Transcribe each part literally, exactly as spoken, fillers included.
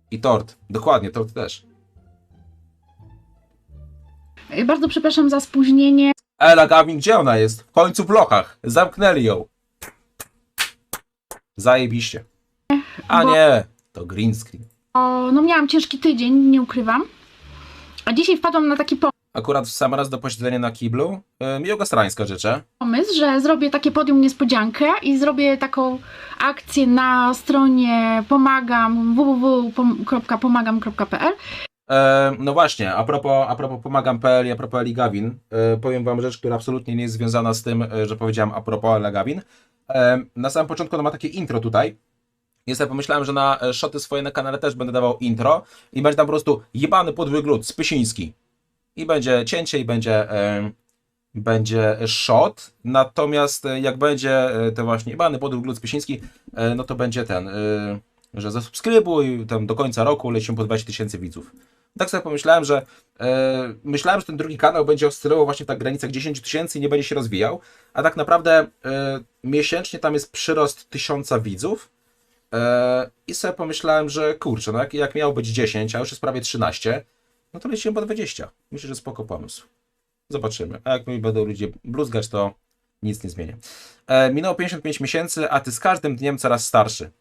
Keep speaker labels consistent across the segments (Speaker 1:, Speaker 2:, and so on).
Speaker 1: I tort. Dokładnie, tort też.
Speaker 2: Bardzo przepraszam za spóźnienie.
Speaker 1: Ela Gavin, gdzie ona jest? W końcu w lochach. Zamknęli ją. Zajebiście. A
Speaker 2: Bo-
Speaker 1: nie, to green screen.
Speaker 2: O, no miałam ciężki tydzień, nie ukrywam. A dzisiaj wpadłam na taki
Speaker 1: Akurat w sam raz do posiedzenia na kiblu. Yy, miłego strańska życzę.
Speaker 2: pomysł, że zrobię takie podium niespodziankę i zrobię taką akcję na stronie pomagam w w w kropka pomagam kropka p l.
Speaker 1: E, no właśnie, a propos, a propos pomagam kropka p l i a propos Eli Gavin, e, powiem wam rzecz, która absolutnie nie jest związana z tym, e, że powiedziałem a propos Eli Gavin. E, na samym początku ona ma takie intro tutaj. Ja sobie pomyślałem, że na e, shoty swoje na kanale też będę dawał intro i będzie tam po prostu jebany podły glut, Spysiński. I będzie cięcie i będzie, e, będzie shot, natomiast e, jak będzie e, to właśnie jebany podły glut, Spysiński, e, no to będzie ten, e, że zasubskrybuj, tam do końca roku lecimy po dwadzieścia tysięcy widzów. Tak sobie pomyślałem, że e, myślałem, że ten drugi kanał będzie oscylował właśnie w tak granicach dziesięć tysięcy i nie będzie się rozwijał, a tak naprawdę e, miesięcznie tam jest przyrost tysiąca widzów e, i sobie pomyślałem, że kurczę, no jak, jak miało być dziesięć, a już jest prawie trzynaście, no to lecimy po dwadzieścia. Myślę, że spoko pomysł. Zobaczymy. A jak mi będą ludzie bluzgać, to nic nie zmienię. E, minęło pięćdziesiąt pięć miesięcy, a ty z każdym dniem coraz starszy.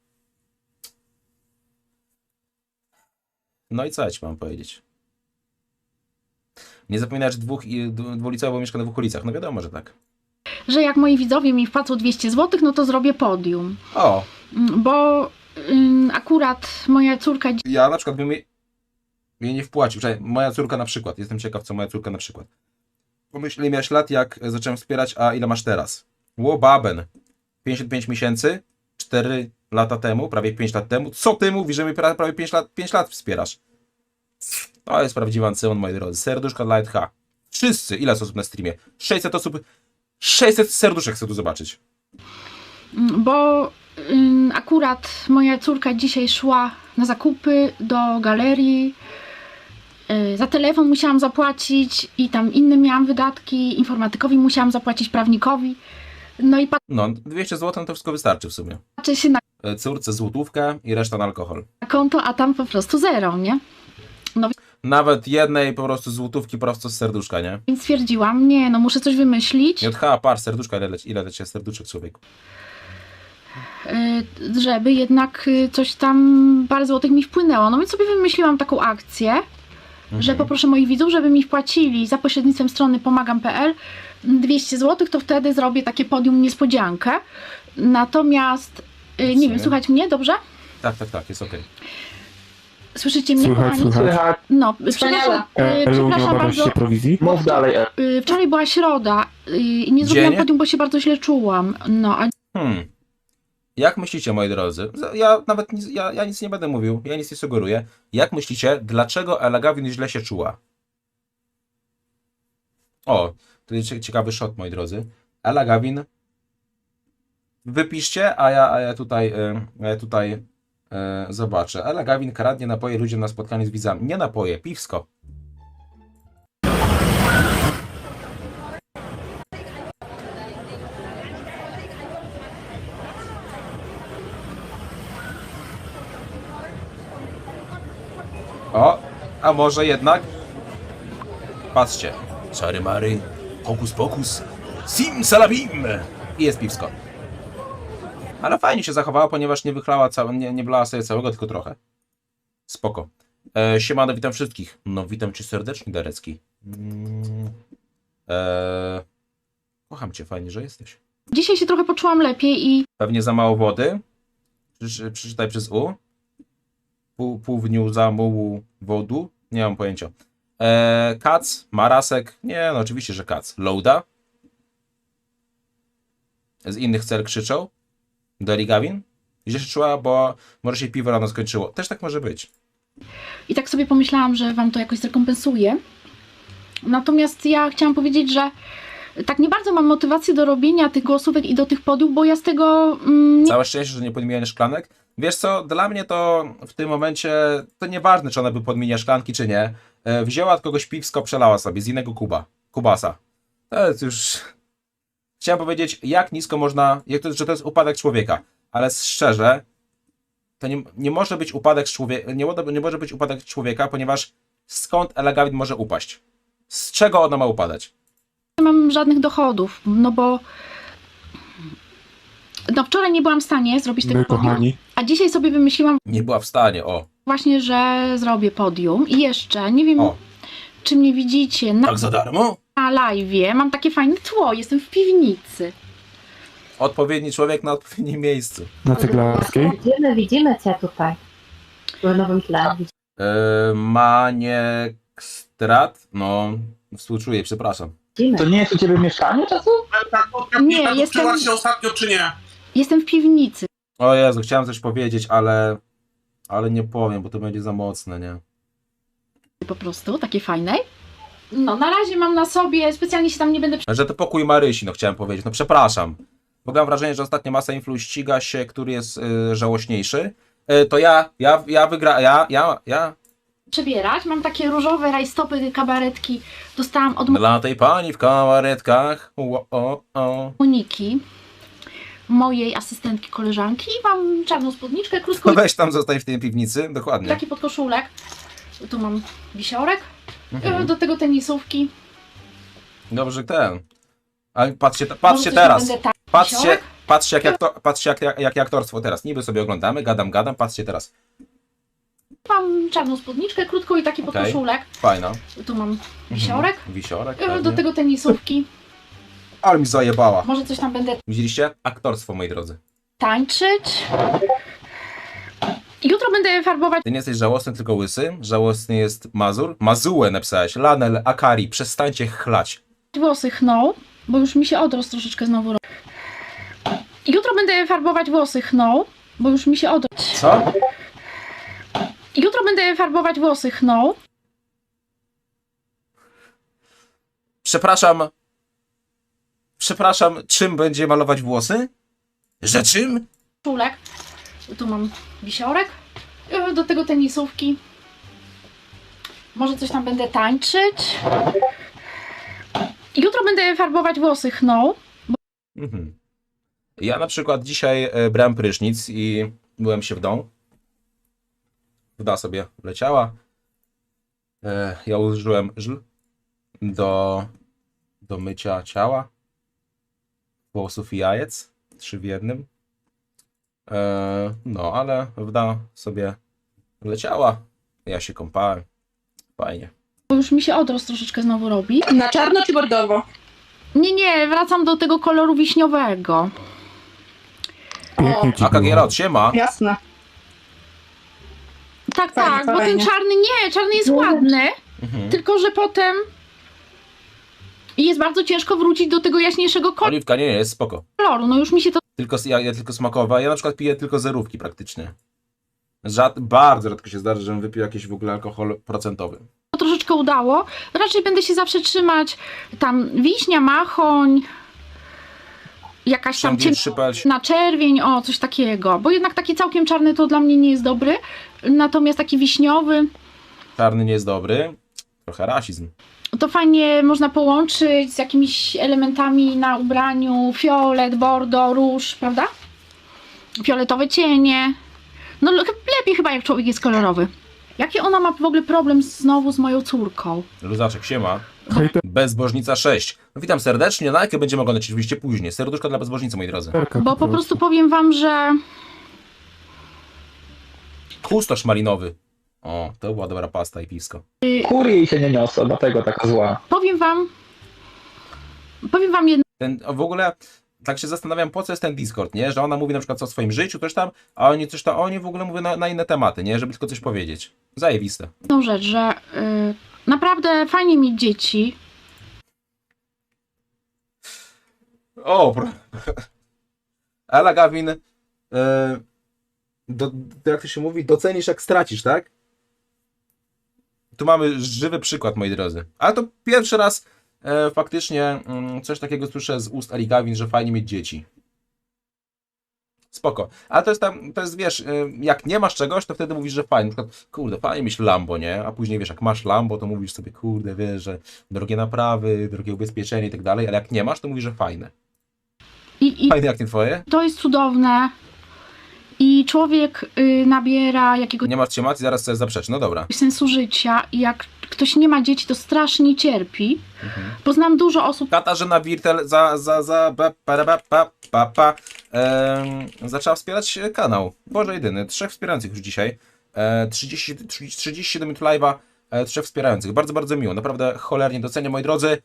Speaker 1: No i co ja ci mam powiedzieć? Nie zapominaj, że dwóch, i- dwu- dwulicowo mieszka na dwóch ulicach. No wiadomo, że tak.
Speaker 2: Że jak moi widzowie mi wpłacą dwieście złotych, no to zrobię podium.
Speaker 1: O,
Speaker 2: Mm, Bo ym, akurat moja córka
Speaker 1: ja na przykład bym jej, jej nie wpłacił. Czekaj, moja córka na przykład. Jestem ciekaw, co moja córka na przykład. Pomyśl, ile miałeś lat, jak zacząłem wspierać, a ile masz teraz? Ło, baben. pięćdziesiąt pięć miesięcy, cztery lata temu, prawie pięć lat temu. Co ty mówisz, że mnie pra- prawie pięć lat, pięć lat wspierasz? To jest prawdziwy ancyon, moi drodzy. Serduszka dla Light H. Wszyscy. Ile jest osób na streamie? sześćset osób. sześćset serduszek chcę tu zobaczyć.
Speaker 2: Bo ym, akurat moja córka dzisiaj szła na zakupy do galerii. Yy, za telefon musiałam zapłacić i tam inne miałam wydatki. Informatykowi musiałam zapłacić, prawnikowi. No i
Speaker 1: No, dwieście złotych no to wszystko wystarczy w sumie.
Speaker 2: patrzę się na
Speaker 1: E, Córce złotówkę i reszta na alkohol.
Speaker 2: konto, a tam po prostu zero, nie?
Speaker 1: Nawet jednej po prostu złotówki prosto z serduszka, nie?
Speaker 2: Więc stwierdziłam, nie, no muszę coś wymyślić,
Speaker 1: J H, par, serduszka, ile leci, ile leci serduszek, człowieku?
Speaker 2: yy, żeby jednak yy, coś tam parę złotych mi wpłynęło. No więc sobie wymyśliłam taką akcję, że poproszę moich widzów, żeby mi wpłacili za pośrednictwem strony pomagam kropka p l dwieście złotych, to wtedy zrobię takie podium niespodziankę. Natomiast, yy, nie
Speaker 1: sumie.
Speaker 2: wiem, słuchać mnie dobrze?
Speaker 1: Tak, tak, tak, jest okej.
Speaker 2: Słyszycie mnie,
Speaker 3: Słychać,
Speaker 2: kochani?
Speaker 3: słychać.
Speaker 4: Słychać.
Speaker 2: No, przepraszam,
Speaker 3: E,
Speaker 2: yy,
Speaker 3: Elu, nie
Speaker 2: przepraszam
Speaker 3: obawiasz
Speaker 2: bardzo.
Speaker 3: się prowizji?
Speaker 4: Mów dalej, E.
Speaker 2: Yy, wczoraj była środa yy, i nie zrobiłam
Speaker 1: Dzień?
Speaker 2: podium, bo się bardzo źle czułam. No, a
Speaker 1: Hmm. Jak myślicie, moi drodzy? Ja nawet nic, ja, ja nic nie będę mówił, ja nic nie sugeruję. Jak myślicie, dlaczego Ela Gavin źle się czuła? O, to jest cie- ciekawy shot, moi drodzy. Ela Gavin. Wypiszcie, a ja, a ja tutaj, y, a ja tutaj y, zobaczę. Ela Gavin kradnie napoje ludziom na spotkaniu z widzami. Nie napoje, piwsko. O, a może jednak? Patrzcie. Czary mary, hokus pokus, sim salabim! I jest piwsko. Ale fajnie się zachowała, ponieważ nie wychlała całe, nie, nie wlała sobie całego, tylko trochę. Spoko. E, siemano, witam wszystkich. No, witam cię serdecznie, Darecki. Mm, e, kocham cię, fajnie, że jesteś.
Speaker 2: dzisiaj się trochę poczułam lepiej i
Speaker 1: Pewnie za mało wody. Przeczy- Przeczytaj przez U. Pół, pół w dniu za mułu wodu. Nie mam pojęcia. Eee, Kac, Marasek. Nie, no oczywiście, że Kac. Loada. Z innych cel krzyczą. Deli Gavin. Źle się czuła, bo może się piwo rano skończyło. Też tak może być.
Speaker 2: I tak sobie pomyślałam, że wam to jakoś zrekompensuje. Natomiast ja chciałam powiedzieć, że tak nie bardzo mam motywację do robienia tych głosówek i do tych podiów, bo ja z tego mm, nie
Speaker 1: Całe szczęście, że nie podmieniasz szklanek. Wiesz co, dla mnie to w tym momencie to nieważne, czy ona by podmienia szklanki, czy nie. E, wzięła od kogoś piwsko, przelała sobie z innego kuba. Kubasa. To jest już... Chciałem powiedzieć, jak nisko można... Jak to, że to jest upadek człowieka. Ale szczerze, to nie, nie może być upadek z człowieka, nie, mo- nie może być upadek człowieka, ponieważ skąd Elegawin może upaść? Z czego ona ma upadać?
Speaker 2: Nie mam żadnych dochodów, no bo no wczoraj nie byłam w stanie zrobić tego
Speaker 3: My,
Speaker 2: podium,
Speaker 3: kochani.
Speaker 2: a dzisiaj sobie wymyśliłam
Speaker 1: Nie była w stanie, o.
Speaker 2: właśnie, że zrobię podium i jeszcze, nie wiem
Speaker 1: O,
Speaker 2: czy mnie widzicie na,
Speaker 1: tak za darmo?
Speaker 2: na live'ie, mam takie fajne tło, jestem w piwnicy.
Speaker 1: Odpowiedni człowiek na odpowiednim miejscu.
Speaker 3: Na Ceglarskiej.
Speaker 4: Widzimy, widzimy cię tutaj. W nowym tle.
Speaker 1: Yy, Maniekstrat? No, współczuję, przepraszam.
Speaker 4: Widzimy.
Speaker 3: To nie jest u ciebie mieszkanie czasem?
Speaker 2: Nie,
Speaker 5: Nie,
Speaker 2: jestem-
Speaker 5: jestem... się ostatnio, czy nie?
Speaker 2: Jestem w piwnicy
Speaker 1: O Jezu, chciałem coś powiedzieć, ale... Ale nie powiem, bo to będzie za mocne, nie?
Speaker 2: po prostu, takiej fajnej. No, na razie mam na sobie, specjalnie się tam nie będę
Speaker 1: Że to pokój Marysi, no chciałem powiedzieć. No przepraszam. Bo mam wrażenie, że ostatnio masa influ ściga się, który jest y, żałośniejszy. Y, to ja, ja, ja wygra... Ja, ja, ja...
Speaker 2: przebierać. Mam takie różowe rajstopy, kabaretki. Dostałam od
Speaker 1: Dla tej pani w kabaretkach. O, o, o.
Speaker 2: Moniki, mojej asystentki, koleżanki. I mam czarną spódniczkę, krótką
Speaker 1: No weź tam, zostań w tej piwnicy. Dokładnie.
Speaker 2: taki podkoszulek. Tu mam wisiorek.
Speaker 1: Mhm.
Speaker 2: Do tego tenisówki.
Speaker 1: Dobrze, ten. Ale patrzcie,
Speaker 2: Może
Speaker 1: patrzcie
Speaker 2: coś tam
Speaker 1: teraz.
Speaker 2: będę tak-
Speaker 1: Patrzcie,
Speaker 2: wisiorek.
Speaker 1: patrzcie, jak, jak, to, patrzcie jak, jak, jak aktorstwo teraz. Niby sobie oglądamy, gadam, gadam. Patrzcie teraz.
Speaker 2: Mam czarną spódniczkę, krótką i taki
Speaker 1: Okej.
Speaker 2: podkoszulek.
Speaker 1: Fajna.
Speaker 2: Tu mam wisiorek.
Speaker 1: Mhm. Wisiorek.
Speaker 2: Do
Speaker 1: pewnie.
Speaker 2: tego tenisówki.
Speaker 1: Ale mi zajebała.
Speaker 2: Może coś tam będę
Speaker 1: Widzieliście? Aktorstwo, moi drodzy.
Speaker 2: tańczyć. Jutro będę farbować
Speaker 1: Ty nie jesteś żałosny, tylko łysy. Żałosny jest Mazur. Mazułę napisałeś. Lanel, Akari. Przestańcie chlać.
Speaker 2: włosy chną, bo już mi się odrost troszeczkę znowu robi. Jutro będę farbować włosy chną, bo już mi się odrost.
Speaker 1: Co?
Speaker 2: Jutro będę farbować włosy chną.
Speaker 1: Przepraszam. Przepraszam, czym będzie malować włosy? Że czym?
Speaker 2: Czulek. Tu mam wisiorek. Do tego tenisówki. Może coś tam będę tańczyć. Jutro będę farbować włosy chną.
Speaker 1: Mhm. Ja na przykład dzisiaj e, brałem prysznic i byłem się w domu. Woda sobie leciała. E, ja użyłem żl do, do mycia ciała, włosów i jajec. Trzy w jednym. E, no, ale woda sobie leciała. Ja się kąpałem. Fajnie.
Speaker 2: Bo już mi się odrost troszeczkę znowu robi.
Speaker 6: Na czarno czy bordowo?
Speaker 2: Nie, nie, wracam do tego koloru wiśniowego.
Speaker 3: Pięknie ci
Speaker 1: A
Speaker 3: było.
Speaker 1: Kagierot, siema.
Speaker 6: Jasne.
Speaker 2: Tak,
Speaker 6: Fajnie,
Speaker 2: tak, bo ten
Speaker 6: fajnie.
Speaker 2: czarny nie, czarny jest ładny,
Speaker 1: Mhm.
Speaker 2: tylko że potem jest bardzo ciężko wrócić do tego jaśniejszego
Speaker 1: Oliwka, nie, nie, jest spoko.
Speaker 2: koloru. No już mi się to
Speaker 1: Tylko, ja, ja tylko smakowa. Ja na przykład piję tylko zerówki praktycznie. Rzad, bardzo rzadko się zdarza, żebym wypił jakiś w ogóle alkohol procentowy.
Speaker 2: troszeczkę udało. Raczej będę się zawsze trzymać tam wiśnia, machoń, jakaś tam
Speaker 1: Szambiel, szypel.
Speaker 2: na czerwień, o coś takiego. Bo jednak taki całkiem czarny to dla mnie nie jest dobry. Natomiast taki wiśniowy
Speaker 1: Czarny nie jest dobry. Trochę rasizm.
Speaker 2: to fajnie można połączyć z jakimiś elementami na ubraniu. Fiolet, bordo, róż, prawda? Fioletowe cienie. No le- lepiej chyba jak człowiek jest kolorowy. Jaki ona ma w ogóle problem znowu z moją córką?
Speaker 1: Luzaczek, siema.
Speaker 3: Hejterka.
Speaker 1: Bezbożnica sześć. No witam serdecznie, na jakie będziemy oglądać oczywiście później. Serduszko dla bezbożnicy, moi drodzy.
Speaker 2: Bo po prostu powiem wam, że
Speaker 1: Kustosz malinowy. O, to była dobra pasta i piwsko.
Speaker 3: Kury jej się nie niosą, dlatego taka zła.
Speaker 2: powiem wam powiem wam jedno.
Speaker 1: Ten, w ogóle tak się zastanawiam, po co jest ten Discord, nie? Że ona mówi na przykład co o swoim życiu, coś tam, a oni coś tam, oni w ogóle mówią na, na inne tematy, nie? Żeby tylko coś powiedzieć. Zajebiste.
Speaker 2: jedną rzecz, że y, naprawdę fajnie mieć dzieci.
Speaker 1: O, pro... Ela Gawin, e, do, do, jak to się mówi, docenisz jak stracisz, tak? Tu mamy żywy przykład, moi drodzy. Ale to pierwszy raz e, faktycznie mm, coś takiego słyszę z ust Eli Gawin, że fajnie mieć dzieci. Spoko. Ale to jest tam, to jest, wiesz, e, jak nie masz czegoś, to wtedy mówisz, że fajnie. Na przykład, kurde, fajnie mieć Lambo, nie? A później, wiesz, jak masz Lambo, to mówisz sobie, kurde, wiesz, że drogie naprawy, drogie ubezpieczenie i tak dalej, ale jak nie masz, to mówisz, że fajne.
Speaker 2: I, i
Speaker 1: Fajne jak nie twoje?
Speaker 2: to jest cudowne. i człowiek y, nabiera jakiegoś
Speaker 1: Nie masz trzymacji, zaraz sobie zaprzeczy. No dobra.
Speaker 2: sensu życia i jak ktoś nie ma dzieci, to strasznie cierpi.
Speaker 1: Mhm.
Speaker 2: Poznałam dużo osób,
Speaker 1: Katarzyna Wirtel za, za, za, ba, pa, pa, pa, pa, pa, em, zaczęła wspierać kanał. Boże jedyny, trzech wspierających już dzisiaj. E, trzydzieści, trzydzieści siedem minut live'a, e, trzech wspierających. Bardzo, bardzo miło. Naprawdę cholernie doceniam, moi drodzy.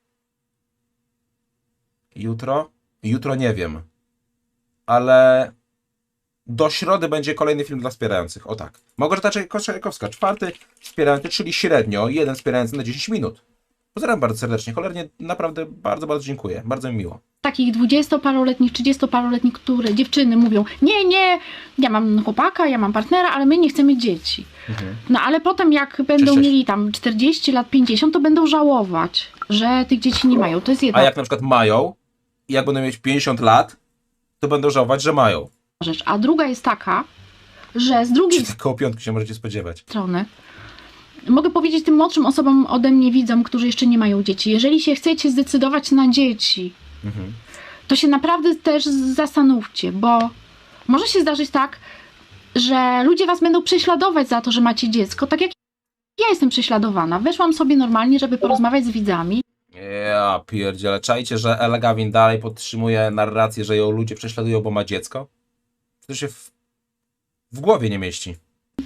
Speaker 1: Jutro? Jutro nie wiem. Ale do środy będzie kolejny film dla wspierających. O tak. Małgorzata Czajkowska, czwarty wspierający, czyli średnio jeden wspierający na dziesięć minut. Pozdrawiam bardzo serdecznie. Cholernie naprawdę bardzo, bardzo dziękuję. Bardzo mi miło.
Speaker 2: takich dwudziestoparoletnich, trzydziestoparoletnich, które dziewczyny mówią, nie, nie, ja mam chłopaka, ja mam partnera, ale my nie chcemy dzieci.
Speaker 1: Mhm.
Speaker 2: No ale potem jak będą
Speaker 1: cześć.
Speaker 2: mieli tam czterdzieści lat, pięćdziesiąt, to będą żałować, że tych dzieci nie mają. To jest jedna
Speaker 1: A jak na przykład mają i jak będą mieć pięćdziesiąt lat, to będą żałować, że mają.
Speaker 2: rzecz. A druga jest taka, że z drugiej
Speaker 1: Czy koło piątki się możecie spodziewać.
Speaker 2: strony mogę powiedzieć tym młodszym osobom ode mnie widzom, którzy jeszcze nie mają dzieci, jeżeli się chcecie zdecydować na dzieci,
Speaker 1: Mhm.
Speaker 2: to się naprawdę też zastanówcie, bo może się zdarzyć tak, że ludzie was będą prześladować za to, że macie dziecko, tak jak ja jestem prześladowana. Weszłam sobie normalnie, żeby porozmawiać z widzami.
Speaker 1: Ja pierdziele. Czajcie, że Ella Gavin dalej podtrzymuje narrację, że ją ludzie prześladują, bo ma dziecko? To się w, w głowie nie mieści.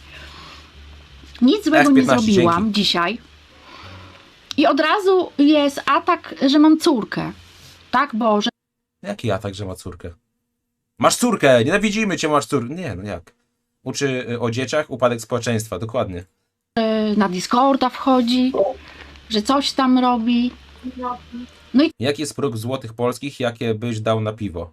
Speaker 2: Nic złego
Speaker 1: F
Speaker 2: nie
Speaker 1: piętnaście,
Speaker 2: zrobiłam
Speaker 1: dzięki.
Speaker 2: dzisiaj. I od razu jest atak, że mam córkę. Tak, bo że
Speaker 1: Jaki atak, że ma córkę? Masz córkę! Nienawidzimy cię, masz córkę! Nie, no jak? Uczy y, o dzieciach, upadek społeczeństwa, dokładnie.
Speaker 2: na Discorda wchodzi, że coś tam robi.
Speaker 1: Jaki jest próg złotych polskich, jakie byś dał na piwo?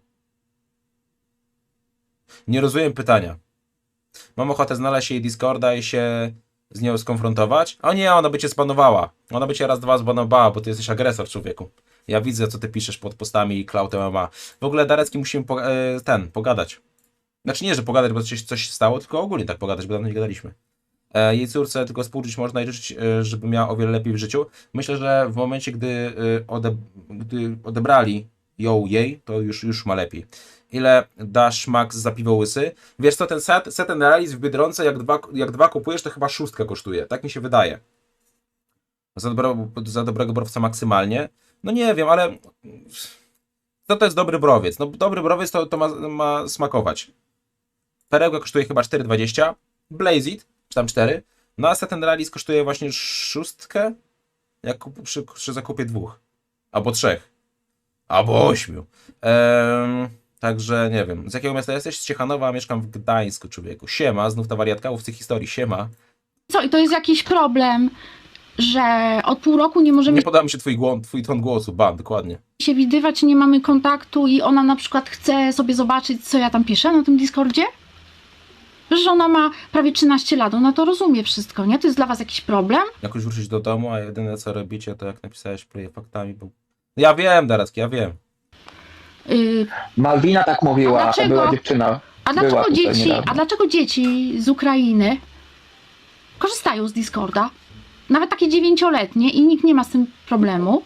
Speaker 1: Nie rozumiem pytania. Mam ochotę znaleźć jej Discorda i się z nią skonfrontować? O nie, ona by cię spanowała. Ona by cię raz, dwa zbanowała, bo ty jesteś agresor, człowieku. Ja widzę, co ty piszesz pod postami Cloud M M A. W ogóle, Darecki, musimy po, e, ten, pogadać. Znaczy nie, że pogadać, bo coś, coś się stało, tylko ogólnie tak pogadać, bo dawno nie gadaliśmy. E, jej córce tylko współczuć można i życzyć, e, żeby miała o wiele lepiej w życiu. Myślę, że w momencie, gdy, e, ode, gdy odebrali ją jej, to już, już ma lepiej. Ile dasz max za piwo łysy? Wiesz co, ten set, set analiz w Biedronce, jak dwa, jak dwa kupujesz, to chyba szóstka kosztuje. Tak mi się wydaje. Za, dobro, za dobrego browca maksymalnie. No nie wiem, ale co to jest dobry browiec? No dobry browiec to, to ma, ma smakować. Perełka kosztuje chyba cztery dwadzieścia. Blaze It, czy tam cztery. No a set analiz kosztuje właśnie szóstkę, jak kup, przy, przy zakupie dwóch. Albo trzech. Albo ośmiu. Ehm, także nie wiem. Z jakiego miasta jesteś? Z Ciechanowa, a mieszkam w Gdańsku, człowieku. Siema, znów ta wariatka łowcy historii. Siema.
Speaker 2: Co, i to jest jakiś problem, że od pół roku nie możemy
Speaker 1: Nie podoba mi się twój, głos, twój ton głosu. Ban, dokładnie.
Speaker 2: się widywać, nie mamy kontaktu i ona na przykład chce sobie zobaczyć, co ja tam piszę na tym Discordzie? Że ona ma prawie trzynaście lat, ona to rozumie wszystko, nie? To jest dla was jakiś problem?
Speaker 1: Jakoś wrócić do domu, a jedyne co robicie, to jak napisałeś pleje faktami, bo... Ja wiem, Darecki, ja wiem.
Speaker 2: Yy,
Speaker 3: Malwina tak
Speaker 2: A
Speaker 3: mówiła,
Speaker 2: dlaczego?
Speaker 3: była dziewczyna.
Speaker 2: a,
Speaker 3: Była
Speaker 2: dlaczego
Speaker 3: tutaj
Speaker 2: dzieci,
Speaker 3: niedawno.
Speaker 2: a dlaczego dzieci z Ukrainy korzystają z Discorda? Nawet takie dziewięcioletnie i nikt nie ma z tym problemu.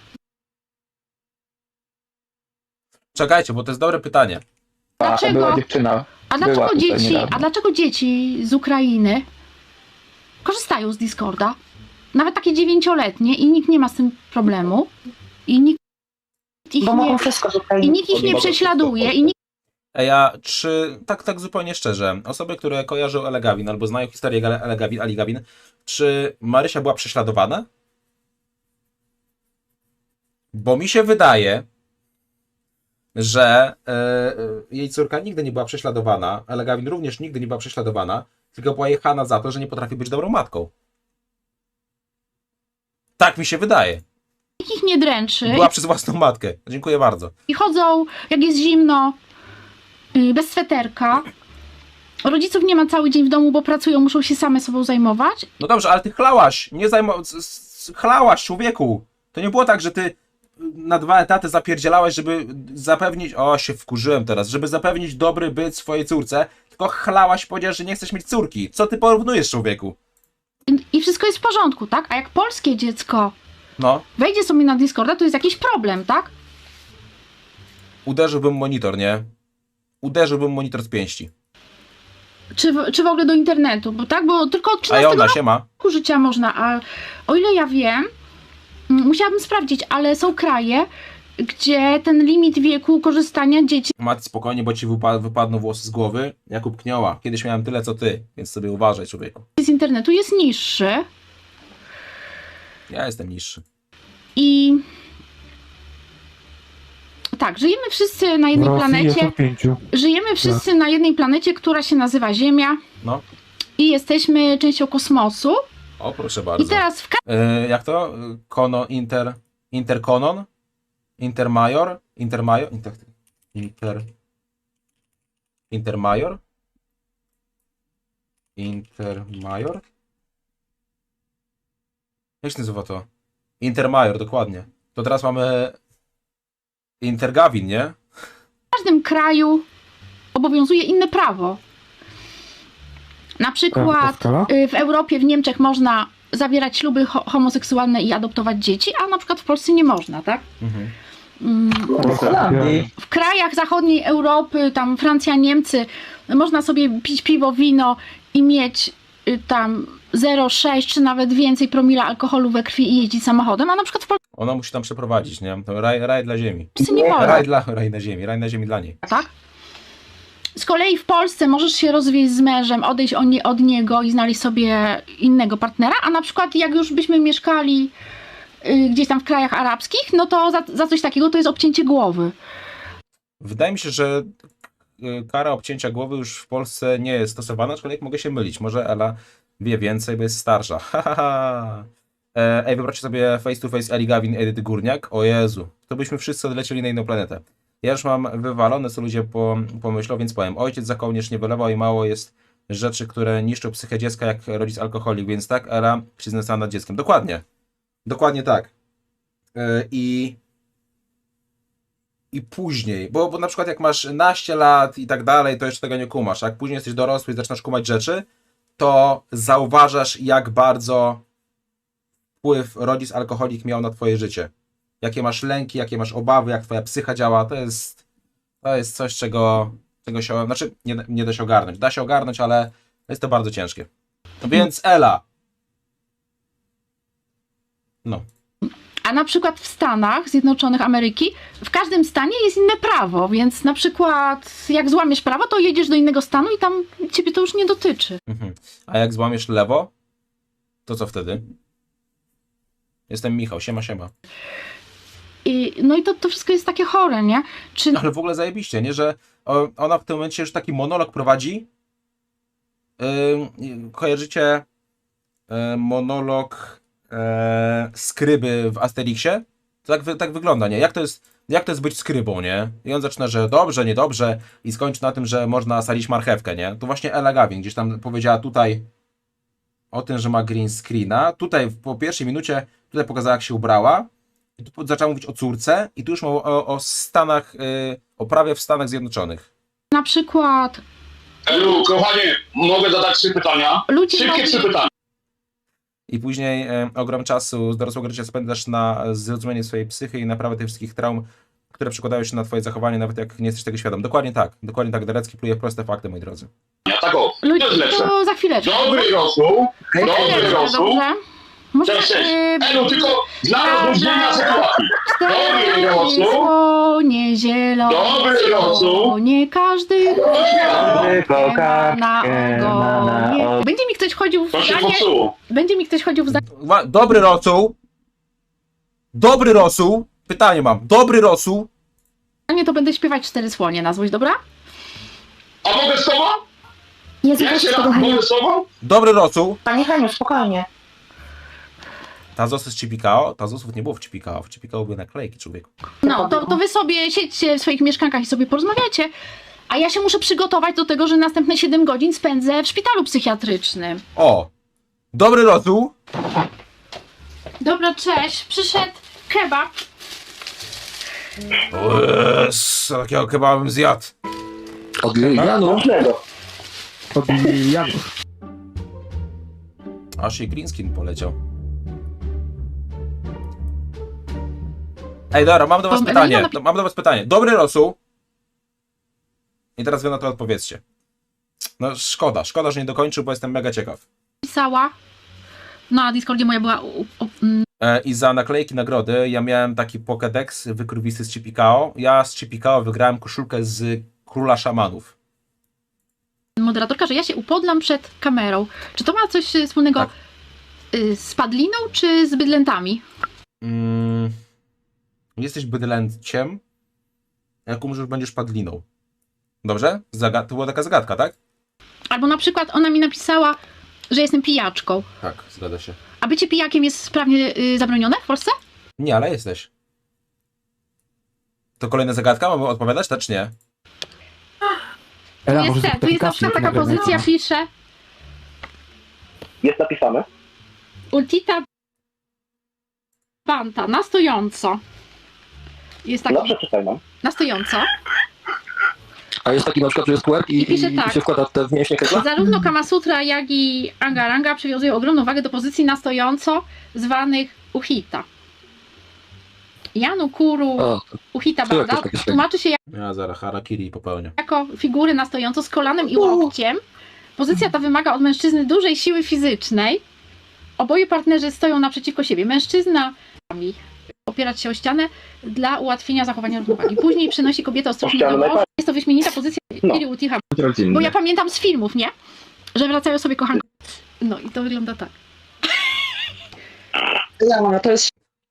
Speaker 1: Czekajcie, bo to jest dobre pytanie.
Speaker 2: Dlaczego?
Speaker 3: Była dziewczyna.
Speaker 2: A
Speaker 3: Była
Speaker 2: dlaczego
Speaker 3: tutaj
Speaker 2: dzieci,
Speaker 3: niedawno.
Speaker 2: a dlaczego dzieci z Ukrainy korzystają z Discorda? Nawet takie dziewięcioletnie i nikt nie ma z tym problemu. I nikt ich
Speaker 4: Bo
Speaker 2: nie,
Speaker 4: mogą wszystko z Ukrainy.
Speaker 2: i nikt ich nie
Speaker 3: Mogą
Speaker 2: prześladuje.
Speaker 3: wszystko.
Speaker 2: I nikt
Speaker 1: A ja, czy, tak, tak zupełnie szczerze, osoby, które kojarzą Ellę Gavin albo znają historię Ellę Gavin, Ali Gavin, czy Marysia była prześladowana? Bo mi się wydaje, że e, e, jej córka nigdy nie była prześladowana, Ella Gavin również nigdy nie była prześladowana, tylko była jechana za to, że nie potrafi być dobrą matką. Tak mi się wydaje.
Speaker 2: ich nie dręczy.
Speaker 1: Była przez własną matkę. Dziękuję bardzo.
Speaker 2: I chodzą, jak jest zimno, yy, bez sweterka. Rodziców nie ma cały dzień w domu, bo pracują, muszą się same sobą zajmować.
Speaker 1: No dobrze, ale ty chlałaś, nie zajmo... s- s- chlałaś, człowieku. To nie było tak, że ty na dwa etaty zapierdzielałaś, żeby zapewnić... O, się wkurzyłem teraz. Żeby zapewnić dobry byt swojej córce, tylko chlałaś i powiedziałeś, że nie chcesz mieć córki. Co ty porównujesz, człowieku?
Speaker 2: I- I wszystko jest w porządku, tak? A jak polskie dziecko
Speaker 1: No,
Speaker 2: wejdzie sobie na Discorda, to jest jakiś problem, tak?
Speaker 1: uderzyłbym monitor, nie? Uderzyłbym monitor z pięści.
Speaker 2: czy, w, czy w ogóle do internetu, bo tak, bo tylko od
Speaker 1: A
Speaker 2: trzynastego
Speaker 1: Jona, siema.
Speaker 2: roku życia można, a o ile ja wiem, mm, musiałabym sprawdzić, ale są kraje, gdzie ten limit wieku korzystania dzieci
Speaker 1: Mati, spokojnie, bo ci wypa wypadną włosy z głowy. Jakub Knioła. Kiedyś miałem tyle, co ty, więc sobie uważaj, człowieku.
Speaker 2: z internetu jest niższy
Speaker 1: Ja jestem niższy.
Speaker 2: i tak, żyjemy wszyscy na jednej planecie,
Speaker 3: pięciu.
Speaker 2: żyjemy wszyscy na jednej planecie, która się nazywa Ziemia
Speaker 1: No.
Speaker 2: i jesteśmy częścią kosmosu
Speaker 1: O, proszę bardzo.
Speaker 2: i teraz w
Speaker 1: E, jak to? Kono, inter... Interkonon? Intermajor? Intermajor? Inter... Inter... Intermajor? Intermajor? Jak się nazywa to? Intermajor, dokładnie. To teraz mamy Intergawin, nie?
Speaker 2: każdym kraju obowiązuje inne prawo. Na przykład y, w Europie, w Niemczech można zawierać śluby ho homoseksualne i adoptować dzieci, a na przykład w Polsce nie można, tak?
Speaker 1: Mhm.
Speaker 2: Mm,
Speaker 3: W Holandii.
Speaker 2: W krajach zachodniej Europy, tam Francja, Niemcy, można sobie pić piwo, wino i mieć y, tam zero przecinek sześć czy nawet więcej promila alkoholu we krwi i jeździć samochodem, a na przykład w
Speaker 1: Ona musi tam przeprowadzić, nie? To raj, raj dla ziemi.
Speaker 2: Polsce nie wolno.
Speaker 1: Raj, dla, raj na ziemi, raj na ziemi dla niej.
Speaker 2: Tak? Z kolei w Polsce możesz się rozwieść z mężem, odejść od, nie, od niego i znaleźć sobie innego partnera, a na przykład jak już byśmy mieszkali y, gdzieś tam w krajach arabskich, no to za, za coś takiego to jest obcięcie głowy.
Speaker 1: Wydaje mi się, że y, kara obcięcia głowy już w Polsce nie jest stosowana, aczkolwiek mogę się mylić. Może Ela wie więcej, bo jest starsza. Ha, ha, ha. E, Ej, wyobraźcie sobie face to face Eli Gawin, Edyty Górniak. O Jezu, to byśmy wszyscy odlecieli na inną planetę. Ja już mam wywalone, co ludzie po, pomyślą, więc powiem. Ojciec za kołnierz nie wylewał i mało jest rzeczy, które niszczą psychę dziecka, jak rodzic alkoholik, więc tak, Ela się znęcała nad dzieckiem. Dokładnie. Dokładnie tak. E, I... I później, bo, bo na przykład jak masz naście lat i tak dalej, to jeszcze tego nie kumasz. A jak później jesteś dorosły i zaczynasz kumać rzeczy, to zauważasz, jak bardzo wpływ rodzic alkoholik miał na twoje życie. Jakie masz lęki, jakie masz obawy, jak twoja psycha działa, to jest, to jest coś, czego, czego się, znaczy nie, nie da się ogarnąć. Da się ogarnąć, ale jest to bardzo ciężkie. Więc Ela. No.
Speaker 2: A na przykład w Stanach Zjednoczonych Ameryki w każdym stanie jest inne prawo, więc na przykład jak złamiesz prawo, to jedziesz do innego stanu i tam ciebie to już nie dotyczy.
Speaker 1: Mhm. A jak złamiesz lewo, to co wtedy? Jestem Michał, siema, siema.
Speaker 2: I, no i to, to wszystko jest takie chore, nie? Czy
Speaker 1: Ale w ogóle zajebiście, nie? Że o, ona w tym momencie już taki monolog prowadzi. Yy, kojarzycie yy, monolog yy, skryby w Asterixie? To tak, wy, tak wygląda, nie? Jak to jest, jak to jest być skrybą, nie? I on zaczyna, że dobrze, niedobrze i skończy na tym, że można sadzić marchewkę, nie? To właśnie Ela Gawin gdzieś tam powiedziała tutaj o tym, że ma green screena. Tutaj po pierwszej minucie tutaj pokazała, jak się ubrała. I tu zaczęła mówić o córce i tu już mówił o, o Stanach, yy, o prawie w Stanach Zjednoczonych.
Speaker 2: na przykład
Speaker 5: Elu, kochanie, mogę zadać trzy pytania?
Speaker 2: ludzie
Speaker 5: Szybkie
Speaker 2: mogli-
Speaker 5: trzy pytania.
Speaker 1: I później e, ogrom czasu z dorosłego życia spędzasz na zrozumienie swojej psychy i naprawę tych wszystkich traum, które przekładają się na twoje zachowanie, nawet jak nie jesteś tego świadom. Dokładnie tak, dokładnie tak. Derecki pluje w proste fakty, moi drodzy.
Speaker 5: Ja tak o, to
Speaker 2: ludzie,
Speaker 5: jest lepsze.
Speaker 2: to za chwileczkę.
Speaker 5: Dobry rosół, dobry
Speaker 2: Chwileczkę,
Speaker 5: rosół.
Speaker 2: dobrze? Może
Speaker 5: Cześć, cześć.
Speaker 2: yy,
Speaker 5: Elu, tylko dla rozróżnienia sytuacji. Dobry rosół.
Speaker 2: słonie zielone,
Speaker 5: Dobry rosół.
Speaker 2: nie każdy
Speaker 3: Tylko
Speaker 2: ma na
Speaker 3: kartkę ma na
Speaker 2: ogonie.
Speaker 3: ogonie.
Speaker 2: Będzie mi ktoś chodził w
Speaker 5: To się
Speaker 2: zdanie,
Speaker 5: popsuło.
Speaker 2: będzie mi ktoś chodził w zdanie,
Speaker 1: Ma- Dobry rosół. Dobry rosół. Pytanie mam. Dobry rosół.
Speaker 2: to będę śpiewać cztery słonie na złość, dobra?
Speaker 5: A mogę z tobą?
Speaker 4: Jezu,
Speaker 5: Jak
Speaker 4: weź
Speaker 5: się
Speaker 4: tego
Speaker 5: raz
Speaker 4: Heniu.
Speaker 5: mogę z tobą?
Speaker 1: Dobry rosół.
Speaker 4: Panie Heniu, spokojnie.
Speaker 1: Tazosy z Cipikao. Tazosów nie było w Cipikao. W Cipikao były naklejki, człowieku.
Speaker 2: No, to, to wy sobie siedźcie w swoich mieszkankach i sobie porozmawiacie, a ja się muszę przygotować do tego, że następne siedem godzin spędzę w szpitalu psychiatrycznym.
Speaker 1: O. Dobry rosół.
Speaker 2: Dobra, cześć, przyszedł kebab.
Speaker 1: O Jezu, takiego kebaba bym zjadł.
Speaker 3: Od Janu. Od Janu.
Speaker 1: Aż jej green skin poleciał. Ej, dobra, mam do was
Speaker 2: Tom,
Speaker 1: pytanie.
Speaker 2: Ewelina napi-
Speaker 1: No, mam do was pytanie. Dobry rosół. I teraz wy na to odpowiedzcie. No szkoda, szkoda, że nie dokończył, bo jestem mega ciekaw.
Speaker 2: napisała, na Discordzie moja była u, u, mm,
Speaker 1: E, I za naklejki nagrody ja miałem taki Pokédex wykrwisty z Chipikao. Ja z Chipikao wygrałem koszulkę z Króla Szamanów.
Speaker 2: moderatorka, że ja się upodlam przed kamerą. Czy to ma coś y, wspólnego
Speaker 1: Tak.
Speaker 2: y, z padliną, czy z bydlętami?
Speaker 1: Mm, jesteś bydlęciem, jak umrzesz, będziesz padliną. Dobrze? Zaga- to była taka zagadka, tak?
Speaker 2: Albo na przykład ona mi napisała, że jestem pijaczką.
Speaker 1: Tak, zgadza się.
Speaker 2: A bycie pijakiem jest sprawnie y, zabronione w Polsce?
Speaker 1: Nie, ale jesteś. To kolejna zagadka? Mamy odpowiadać, tak czy nie?
Speaker 3: Ela,
Speaker 2: Tu
Speaker 3: może
Speaker 2: jest, te, tu jest na przykład taka pozycja, pisze
Speaker 6: Jest napisane.
Speaker 2: Ultita Banta, na stojąco. Jest taki,
Speaker 6: No przeczytaj nam.
Speaker 2: na stojąco.
Speaker 3: A jest taki na przykład, że jest kłęb i,
Speaker 2: I pisze
Speaker 3: i,
Speaker 2: tak.
Speaker 3: i się wkłada te w mięśnie kekla?
Speaker 2: Zarówno Kama Sutra, jak i Angaranga przywiązują ogromną wagę do pozycji na stojąco, zwanych Uhita. Janu Kuru
Speaker 3: A,
Speaker 2: Uhita
Speaker 3: to jakieś
Speaker 2: Banda
Speaker 3: takie
Speaker 2: tłumaczy się
Speaker 1: Ja zaraz harakiri popełnię.
Speaker 2: jako figury na stojąco z kolanem i łokciem. Pozycja ta wymaga od mężczyzny dużej siły fizycznej. Oboje partnerzy stoją naprzeciwko siebie. Mężczyzna opierać się o ścianę dla ułatwienia zachowania równowagi. Później przenosi kobietę ostrożnie do
Speaker 6: ścianę
Speaker 2: łoża.
Speaker 6: najbardziej.
Speaker 2: Jest to wyśmienita pozycja
Speaker 6: No.
Speaker 2: Kiri Utiha.
Speaker 3: rodzinny.
Speaker 2: Bo ja pamiętam z filmów, nie? Że wracają sobie kochanki. No i to wygląda tak.
Speaker 4: No, to jest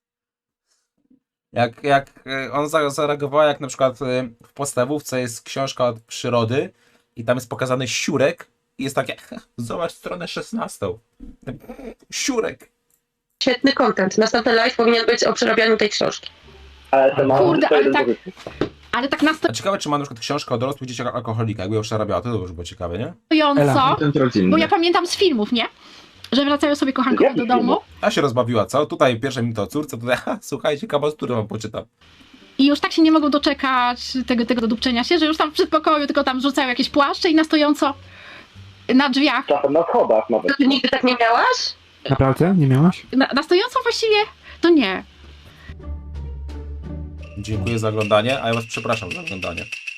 Speaker 1: Jak, jak e, on za- zareagowała, jak na przykład e, w podstawówce jest książka od przyrody i tam jest pokazany siurek i jest takie, zobacz stronę szesnastą. Siurek.
Speaker 7: Świetny content. Następny live powinien być o przerabianiu tej książki.
Speaker 6: Ale to ma
Speaker 2: Kurde,
Speaker 6: tylko
Speaker 2: ale
Speaker 6: jeden
Speaker 2: tak-
Speaker 6: pozycji.
Speaker 2: Ale tak na
Speaker 1: A ciekawe, czy ma na przykład książkę o dorosłych dzieciach alkoholika, jakby ją przerabiała, to już było ciekawe, nie?
Speaker 2: stojąco,
Speaker 3: rodzinny.
Speaker 2: bo ja pamiętam z filmów, nie? Że wracają sobie kochankowie
Speaker 6: Jakich
Speaker 2: do domu
Speaker 6: filmów?
Speaker 1: A się rozbawiła, co? Tutaj pierwsze minuty o córce, tutaj, ha, słuchajcie, kabasturę wam poczytam.
Speaker 2: i już tak się nie mogą doczekać tego, tego dodupczenia się, że już tam w przedpokoju tylko tam rzucają jakieś płaszcze i na stojąco na drzwiach.
Speaker 6: Czasem na schodach nawet.
Speaker 7: To ty nigdy tak nie miałaś?
Speaker 3: Naprawdę? Nie miałaś?
Speaker 2: Na, na stojąco właściwie to nie.
Speaker 1: Dziękuję za oglądanie, a ja was przepraszam za oglądanie.